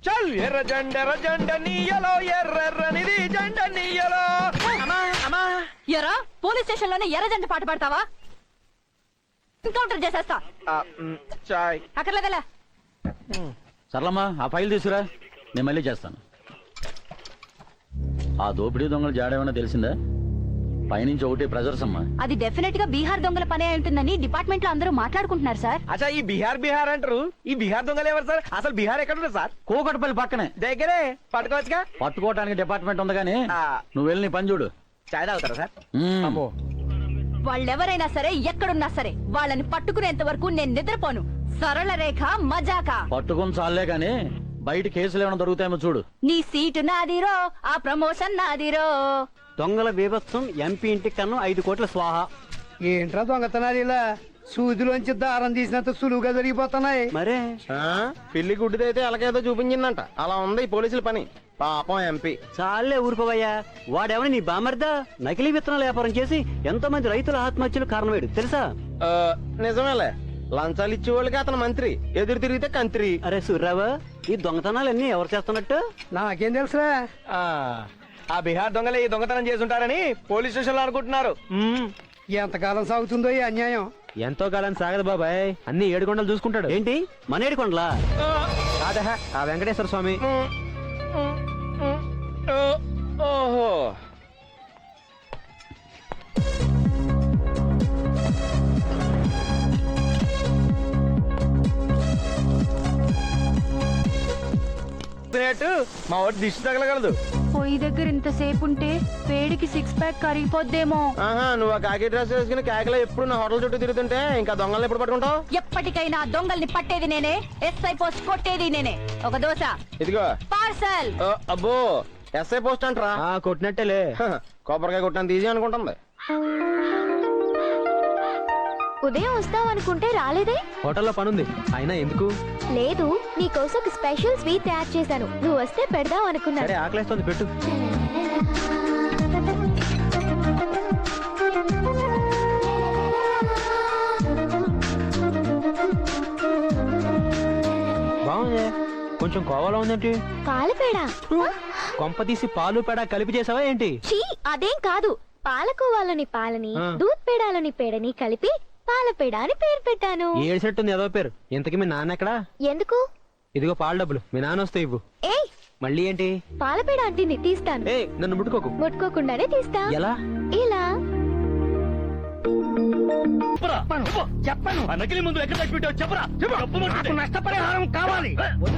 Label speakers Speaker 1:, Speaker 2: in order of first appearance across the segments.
Speaker 1: చల్ ఎర్ర జెండ నీయలో ఎర్రనిది జెండ నీయలో.
Speaker 2: ఎరా పోలీస్ స్టేషన్ లోనే ఎర్రజెండ పాట పాడతావా? ఎన్కౌంటర్ చేసేస్తా.
Speaker 1: చాయ్
Speaker 2: అక్కర్లేదలా.
Speaker 3: సర్లమ్మా ఆ ఫైల్ తీసుకురా, నేను మళ్ళీ చేస్తాను. ఆ దోపిడీ దొంగలు జాడేమన్నా తెలిసిందా? పైనుంచి ఒకటి ప్రెజర్స్ అమ్మా.
Speaker 2: అది డెఫినెట్ గా బీహార్ దొంగల పనే ఉంటుందని డిపార్ట్మెంట్ లో అందరూ మాట్లాడుకుంటున్నారు సార్.
Speaker 1: అచ్చా ఈ బీహార్ అంటారు. ఈ బీహార్ దొంగలు ఎవరు సార్? అసలు బీహార్ ఎక్కడ ఉంది సార్?
Speaker 3: కూకట్పల్లి పక్కనే.
Speaker 1: దగ్గరే పట్టుకోవచ్చుగా.
Speaker 3: పట్టుకోవడానికి డిపార్ట్మెంట్ ఉంది కానీ నువ్వు వెళ్ళి నీ పని చూడు.
Speaker 1: చాయ్ తాగుతారా సార్?
Speaker 3: అమ్మో
Speaker 2: వాళ్ళెవరైనా సరే ఎక్కడున్నా సరే వాళ్ళని పట్టుకునేంత వరకు నేను నిద్రపోను. సరళ రేఖ మజాక.
Speaker 3: పట్టుకుని చాలే గాని బయట కేసులు ఏమైనా దొరుకుతాయేమో చూడు.
Speaker 2: నీ సీటు నాదిరో, ఆ ప్రమోషన్ నాదిరో.
Speaker 4: దొంగల బీభత్సం ఎంపీ ఇంటికి కన్ను 5 కోట్ల స్వాహ.
Speaker 5: ఏంట్రా దొంగతనాలు ఇలా సూదిలోంచి దారం తీసినంత సులువుగా జరిగిపోతున్నాయి.
Speaker 4: మరే
Speaker 1: పిల్లి గుడ్డిదైతే అలాగేదో చూపించిందంట. అలా ఉంది ఈ పోలీసుల పని. పాపం ఎంపీ.
Speaker 4: చాలే ఊరుకోవయ్యా. వాడేమని నీ బామర్దా? నకిలీ విత్తనాల వ్యాపారం చేసి ఎంతో మంది రైతుల ఆత్మహత్యలు కారణమేడు తెలుసా?
Speaker 1: నిజమేలే, లంచాలు ఇచ్చేవాళ్ళకి అతను మంత్రి, ఎదురు తిరిగితే కంత్రి.
Speaker 4: అరే సూర్రావు, ఈ దొంగతనాలన్నీ ఎవరు చేస్తున్నట్టు?
Speaker 5: నాకేం తెలుసురా?
Speaker 1: ఆ బీహార్ దొంగలే ఈ దొంగతనం చేసుంటారని పోలీస్ స్టేషన్ లో అనుకుంటున్నారు.
Speaker 5: ఎంతకాలం సాగుతుందో ఈ అన్యాయం.
Speaker 1: ఎంతో కాలం సాగదు బాబాయ్, అన్ని 7 కొండలు చూసుకుంటాడు.
Speaker 4: ఏంటి మన ఏడుకొండలా?
Speaker 1: కాదా ఆ వెంకటేశ్వర స్వామి. ఓహో మా వాడు దిష్టి తగలగలదు.
Speaker 2: పొయ్యి దగ్గర ఇంతసేపు ఉంటే వేడికి 6 ప్యాక్ కరిగిపోద్దేమో.
Speaker 1: నువ్వు ఆ కాకి డ్రెస్ వేసుకుని కాకిలో ఎప్పుడు నా హోటల్ చుట్టూ తిరుగుతుంటే ఇంకా దొంగల్ని ఎప్పుడు పట్టుకుంటావు?
Speaker 2: ఎప్పటికైనా దొంగల్ని పట్టేది నేనే, ఎస్ఐ పోస్ట్ కొట్టేది నేనే. ఒక దోశ
Speaker 1: ఇదిగో
Speaker 2: పార్సల్.
Speaker 1: అబ్బో ఎస్ఐ పోస్ట్ అంటరా? కొట్టినట్టేలే, కొబ్బరికాయ కొట్టాను తీసి అనుకుంటుంది.
Speaker 6: ఉదయం వస్తావనుకుంటే రాలేదే?
Speaker 1: హోటల్లో పనుంది. అయినా ఎందుకు?
Speaker 6: లేదు, నీకోసం ఒక స్పెషల్ స్వీట్ తయారు చేశాను. నువ్వు వస్తే పెడదాం అనుకున్నా.
Speaker 1: సరే ఆకలేస్తుంది, పెట్టు. బాగుంది. కొంచెం కోవాలో ఉందేంటి?
Speaker 6: పాలపేడ.
Speaker 1: కొంప తీసి పాలు పేడ కలిపి చేసావా ఏంటి?
Speaker 6: చీ, అదేం కాదు. పాలకోవాలని పాలని, దూద్ పేడాలని పేడని కలిపి పాలపేడ అని పేరు పెట్టాను.
Speaker 1: ఏడ్చినట్టుంది ఏదో పేరు. ఇంతకీ మీ నాన్న ఎక్కడా?
Speaker 6: ఎందుకు?
Speaker 1: ఇదిగో పాల డబ్బులు, మీ నాన్న వస్తే ఇవ్వు.
Speaker 6: ఏయ్,
Speaker 1: మళ్ళీ ఏంటి?
Speaker 6: పాలపేడ అంటే తీస్తాను.
Speaker 1: ఏ నన్ను ముట్టుకోకు.
Speaker 6: ముట్టుకోకుండానే తీస్తా.
Speaker 1: ఎలా?
Speaker 6: ఇలా.
Speaker 3: చెప్పను. నకిలీ ముందు ఎక్కడ పెట్టావు చెప్పరా?
Speaker 5: నాకు నష్టపరిహారం కావాలి.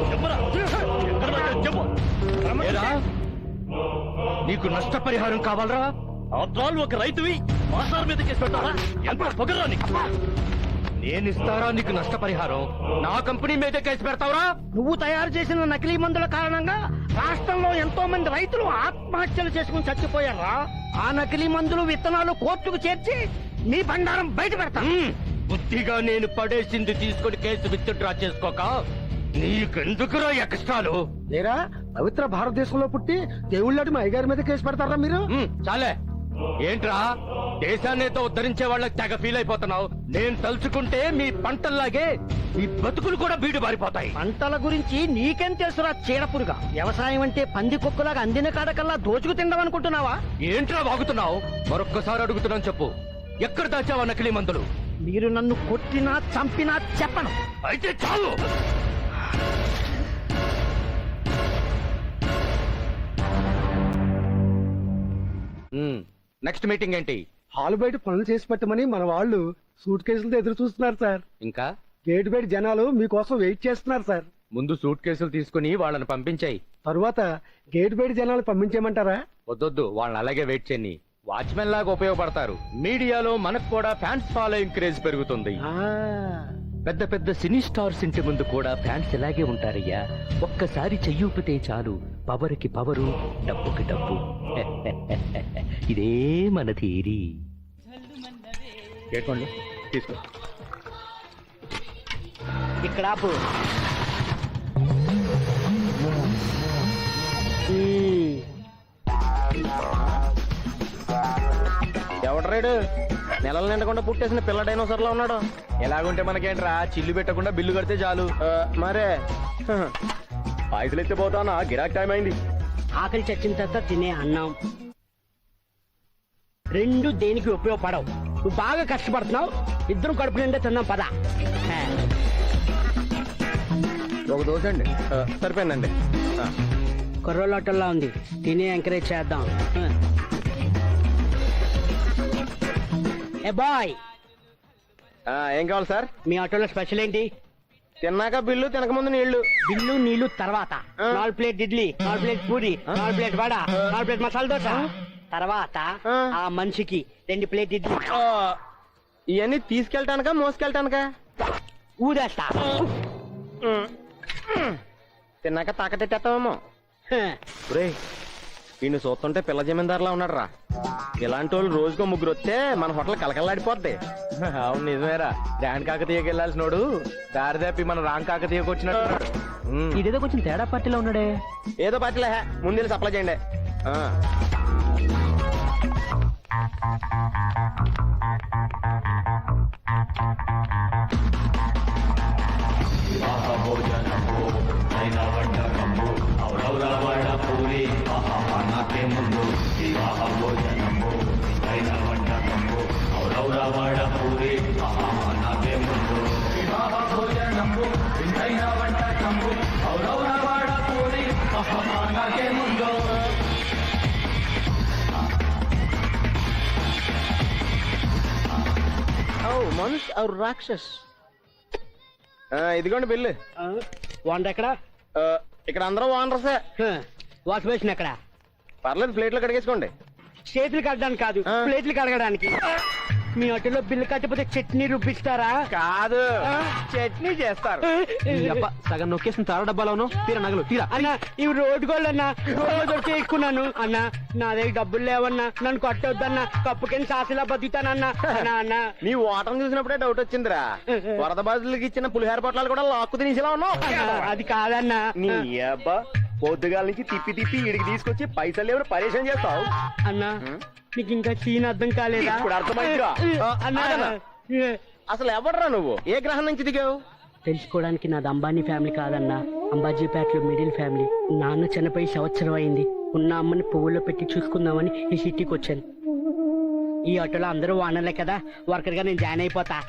Speaker 3: నీకు నష్టపరిహారం కావాలరా? అద్రాలు ఒక రైతువి మాసాల మీద కేసు పెట్టారా? ఎంత పొగరా నీకు? నేను ఇస్తారా నీకు నష్టపరిహారం? నా కంపెనీ మీద కేసు పెడతావురా?
Speaker 5: నువ్వు తయారు చేసిన నకిలీ మందుల కారణంగా రాష్ట్రంలో ఎంతో మంది రైతులు ఆత్మహత్యలు చేసుకుని చచ్చిపోయారా? ఆ నకిలీ మందులు విత్తనాలు కోర్టుకు చేర్చి నీ బండారం బయట పెడతా.
Speaker 3: బుద్ధిగా నేను పడేసింది తీసుకుని కేసు విత్డ్రా చేసుకోక నీకెందుకురా ఎక్స్ట్రాలు?
Speaker 5: లేరా, పవిత్ర భారతదేశంలో పుట్టి దేవుళ్ళటి మా అయ్యగారి మీద కేసు పెడతారా మీరు?
Speaker 3: చాలే. ఏంట్రా దేశాన్నేతో ఉద్ధరించే వాళ్ళకి తెగ ఫీల్ అయిపోతున్నావు? నేను తలుచుకుంటే మీ పంటల్లాగే మీ బతుకులు కూడా బీడు బారిపోతాయి.
Speaker 5: పంటల గురించి నీకేం తెలుసురా చీడపురుగా? వ్యవసాయం అంటే పంది కుక్కలాగా అందిన కాడకల్లా దోచుకు తిందాం అనుకుంటున్నావా?
Speaker 3: ఏంట్రా వాగుతున్నావు? మరొక్కసారి అడుగుతున్నాను, చెప్పు. ఎక్కడ దాచావా నకిలీ మందులు?
Speaker 5: మీరు నన్ను కొట్టినా చంపినా చెప్పను.
Speaker 3: అయితే చాలు. నెక్స్ట్ మీటింగ్ ఏంటి?
Speaker 5: హాల్ బయట పనులు చేసి పెట్టమని మన వాళ్ళు సూట్ కేసులతో ఎదురు చూస్తున్నారు సార్.
Speaker 3: ఇంకా
Speaker 5: గేట్ బయట జనాలు మీకోసం వెయిట్ చేస్తున్నారు సార్.
Speaker 3: ముందు సూట్ కేసులు తీసుకుని వాళ్ళని పంపించాయి.
Speaker 5: తరువాత గేట్ బయట జనాలు పంపించేయమంటారా?
Speaker 3: వద్దొద్దు, వాళ్ళని అలాగే వెయిట్ చేయని. వాచ్మెన్ లాగా ఉపయోగపడతారు. మీడియాలో మనకు కూడా ఫ్యాన్స్ ఫాలోయింగ్ క్రేజ్ పెరుగుతుంది. పెద్ద పెద్ద సినీ స్టార్స్ ఇంటి ముందు కూడా ఫ్యాన్స్ ఇలాగే ఉంటారయ్యా. ఒక్కసారి చెయ్యూపితే చాలు, పవర్ కి పవరు, డబ్బుకి డబ్బు. ఇదే మన థియరీ. తీసుకో.
Speaker 4: ఇక్కడ ఆపు.
Speaker 1: ఎవడ్రాడు? నెలలు నిండకుండా పుట్టేసిన పిల్ల డైనోసర్ లో ఉన్నాడు. ఎలాగుంటే మనకేంట్రా, చిల్లు పెట్టకుండా బిల్లు కడితే చాలు. మరే పైసలు ఎత్తే పోతానా గిరాక్ టైం అయింది.
Speaker 5: ఆకలి చచ్చిన తర్వాత తినే అన్నం రెండు దేనికి ఉపయోగపడవు. నువ్వు బాగా కష్టపడుతున్నావు, ఇద్దరం కడుపు నిండా తిన్నాం పద.
Speaker 1: ఒక దోశ అండి. సరిపోయిందండి.
Speaker 5: కుర్రోళ్ళ హోటల్లో ఉంది, తిని ఎంకరేజ్ చేద్దాం. ఏ బాయ్,
Speaker 1: ఏం కావాలి సార్?
Speaker 5: మీ ఆటోలో స్పెషల్ ఏంటి?
Speaker 1: తిన్నాక బిల్లు, తినక ముందు నీళ్లు.
Speaker 5: బిల్లు నీళ్లు తర్వాత 4 plate idli, 4 plate puri, 4 plate vada, 4 plate masala dosa. తర్వాత ఆ మనిషికి 2 ప్లేట్ ఇడ్లీ.
Speaker 1: ఇవన్నీ తీసుకెళ్ళటానికా మోసుకెళ్ళటానికా?
Speaker 5: ఊదేస్తా.
Speaker 1: తిన్నాక తాకటెట్టేస్తామేమో. రే, వీడిని చూస్తుంటే పిల్ల జమీందారులా ఉన్నాడు రా. ఇలాంటి వాళ్ళు రోజుకో ముగ్గురు వస్తే మన హోటల్ కలకల్లాడిపోద్ది.
Speaker 3: అవును నిజమేరా. డాన్ కాకతీయకి వెళ్ళాల్సినోడు దారి తప్పి మన రాంగ్ కాకతీయకి వచ్చినట్టున్నాడు.
Speaker 4: ఇదేదో కొంచెం తేడా పార్టీలో ఉన్నాడే.
Speaker 1: ఏదో పార్టీలే, ముందు సప్లై చేయండి. మనుష్ ఔర్ రాక్షస్. ఇదిగోండి బిల్లు.
Speaker 5: ఓనర్ ఎక్కడ?
Speaker 1: ఇక్కడ అందరూ ఓనర్సే.
Speaker 5: వాష్ బేసిన్ ఎక్కడ?
Speaker 1: పర్లేదు, ప్లేట్లో కడిగేసుకోండి.
Speaker 5: చేతులు కడడానికి కాదు, ప్లేట్లు కడగడానికి. మీ హోటల్లో బిల్లు కట్టకపోతే చట్నీ రుబ్బిస్తారా?
Speaker 1: కాదు, చట్నీ చేస్తారు.
Speaker 4: సగం నొక్కేసిన తార డబ్బాలోను తీరా నగలు తీరా.
Speaker 5: అన్నా ఇవి రోడ్డు గోళ్ళు అన్నా, రోడ్డు దొరికి ఎక్కున్నాను అన్నా. నా దగ్గర డబ్బులు లేవన్నా, నన్ను కొట్టొద్దన్నా, కప్పు కింద సాసిలా బతుకుతానన్నా. అన్నా
Speaker 1: నీ ఓటం చూసినప్పుడే డౌట్ వచ్చిందిరా. వరద బాధితులకి ఇచ్చిన పులిహార పొట్లాలు కూడా లాక్కు తినేసిలా ఉన్నావు.
Speaker 5: అది కాదన్నా.
Speaker 1: నీ అబ్బా, పొద్దుగాల నుంచి తిప్పి తిప్పి ఇడికి తీసుకొచ్చి పైసలు ఎవరు పరేషాన్ చేస్తావు
Speaker 5: అన్నా. నీకు ఇంకా సీన్ అర్థం కాలేదా?
Speaker 1: ఇప్పుడు అర్థమైందిరా.
Speaker 5: అన్నా
Speaker 1: అసలు ఎవడరా నువ్వు? ఏ గ్రహం నుంచి దిగావు?
Speaker 5: తెలుసుకోవడానికి నాది అంబానీ ఫ్యామిలీ కాదన్నా, అంబాజీపేటలో మిడిల్ ఫ్యామిలీ. నాన్న చనిపోయి సంవత్సరం అయింది. ఉన్న అమ్మని పువ్వుల్లో పెట్టి చూసుకుందామని ఈ సిటీకి వచ్చాను. ఈ ఆటోలో అందరూ వానర్లే కదా, వర్కర్ గా నేను జాయిన్ అయిపోతా.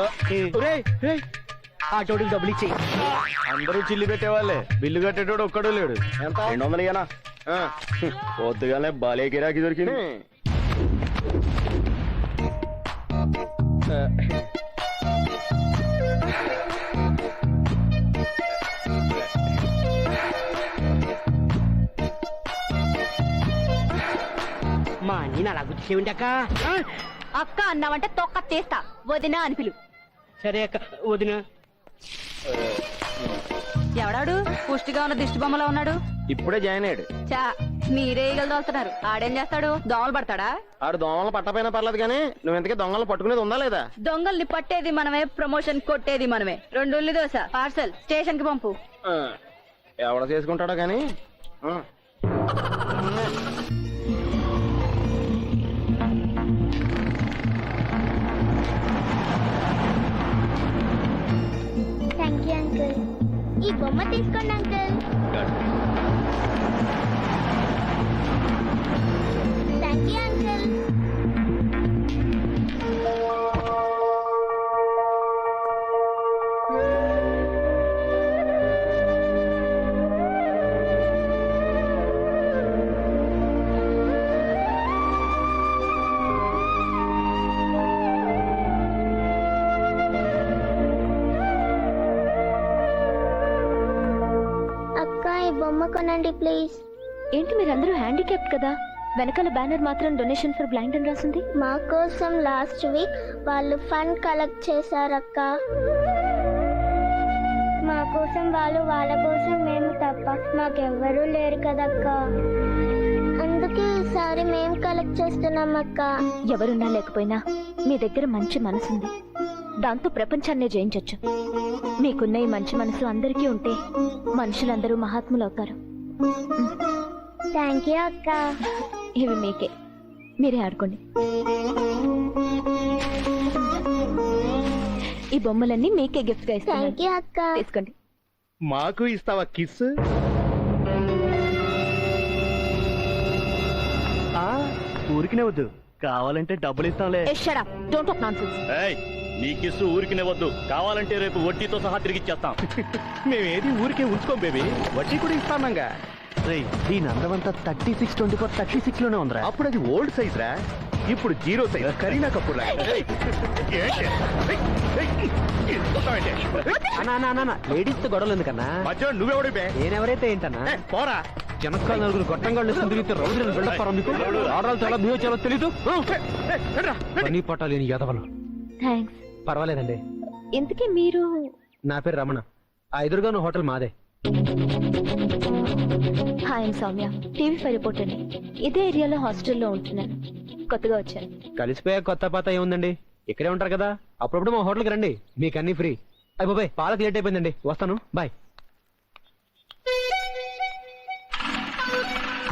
Speaker 5: ఆటోడికి డబ్బులు ఇచ్చేయి.
Speaker 1: అందరూ చిల్లి పెట్టేవాళ్ళే, బిల్లు కట్టేటోడు ఒక్కడూ లేడు. ఎంత? 200 ఇయ్యనా? పొద్దుగానే బాలే గిరాకీ దొరికింది.
Speaker 5: మా నేను అలా గుర్తిసేవింటి అక్క.
Speaker 2: అక్క అన్నావంటే తొక్క తీస్తా. వదినా అని పిలు.
Speaker 5: సరే అక్క. వదిన
Speaker 2: ఎవడాడు? పుష్టిగా ఉన్న దిష్టి బొమ్మలో ఉన్నాడు.
Speaker 1: ఇప్పుడే జాయిన్ అయ్యాడు.
Speaker 2: చా, మీరే ఈగలుదోలుతున్నారు. ఆడేం చేస్తాడు? దోమలు పడతాడా?
Speaker 1: ఆడు దొంగలు పట్టపోయినా పర్లేదు కానీ నువ్వు ఇంతకీ దొంగలు పట్టుకునేది ఉందా లేదా?
Speaker 2: దొంగల్ని పట్టేది మనమే, ప్రమోషన్ కొట్టేది మనమే. 2 ఉల్లి దోశ పార్సల్ స్టేషన్ కి పంపు.
Speaker 1: ఎవడ చేసుకుంటాడో కానీ.
Speaker 6: Thank you uncle. ఈ బొమ్మ తీసుకోండి అంకుల్. Thank you uncle. బొమ్మ కొనండి ప్లీజ్.
Speaker 2: ఏంటి మీరందరూ హ్యాండిక్యాప్డ్ కదా? వెనకాల బ్యానర్ మాత్రం డొనేషన్ ఫర్ బ్లైండ్ అని రాసింది.
Speaker 6: మా కోసం లాస్ట్ వీక్ వాళ్ళు ఫండ్ కలెక్ట్ చేశారక్క. మా కోసం వాళ్ళు, వాళ్ళ కోసం మేము తప్ప మాకెవ్వరూ లేరు కదక్క. అందుకే ఈసారి మేము కలెక్ట్ చేస్తున్నాం అక్క.
Speaker 2: ఎవరున్నా లేకపోయినా మీ దగ్గర మంచి మనసుంది. దాంతో ప్రపంచాన్నే జయించొచ్చు. మీకున్న ఈ మంచి మనసు అందరికీ ఉంటే మనుషులందరూ మహాత్ములవుతారు.
Speaker 6: థ్యాంక్ యూ అక్క.
Speaker 2: ఇవి మీకే, మీరే ఆడుకోండి. ఈ బొమ్మలన్నీ మీకే గిఫ్ట్ గా ఇస్తాను.
Speaker 6: థ్యాంక్ యూ అక్క.
Speaker 2: తీసుకోండి.
Speaker 1: మాకు ఇస్తావా కిస్?
Speaker 4: ఊరికినే వద్దు, కావాలంటే డబ్బులు ఇస్తాంలే.
Speaker 2: Don't talk nonsense.
Speaker 1: నీ కిస్సు ఊరికినే వద్దు, కావాలంటే రేపు వడ్డీతో సహా తిరిగిచ్చేస్తాం.
Speaker 3: మేమేది ఊరికే ఉంచుకోం బేబీ, వడ్డీ కూడా ఇస్తామంగా.
Speaker 4: రేయ్, దీని అందమంతా 36-24 లోనే ఉందిరా.
Speaker 3: అప్పుడు అది ఓల్డ్ సైజ్ రా, ఇప్పుడు zero size Kareena Kapoor
Speaker 4: ladies తో గొడవలు ఎందుకన్నా?
Speaker 3: మధ్య నువ్వెవడి బే?
Speaker 4: నేనెవరైతే ఏంటన్నా?
Speaker 3: పోరా.
Speaker 4: జనకాల నలుగురు గొట్టంగాళ్ళు తిరిగితే రౌడీలను బిల్డప్ మీకు ఆడవాళ్ళు చాలా బిహేవ్ చేయాలో తెలీదు. పని పట్టాలేని యదవలు.
Speaker 2: థ్యాంక్స్.
Speaker 4: పర్వాలేదండి.
Speaker 2: ఇంతకీ మీరు?
Speaker 4: నా పేరు రమణ. ఆ ఎదురుగాను హోటల్ మాదే.
Speaker 2: హాయ్ సౌమ్య, టీవీ5 రిపోర్టర్ని. ఇదే ఏరియాలో హాస్టల్లో ఉంటున్నాను, కొత్తగా వచ్చాను.
Speaker 4: కలిసిపోయా కొత్త పాత ఏముందండి, ఇక్కడే ఉంటారు కదా, అప్పుడప్పుడు మా హోటల్కి రండి, మీకు అన్ని ఫ్రీ. అయ్యి బాబాయ్, పాలకు లేట్ అయిపోయిందండి, వస్తాను, బాయ్.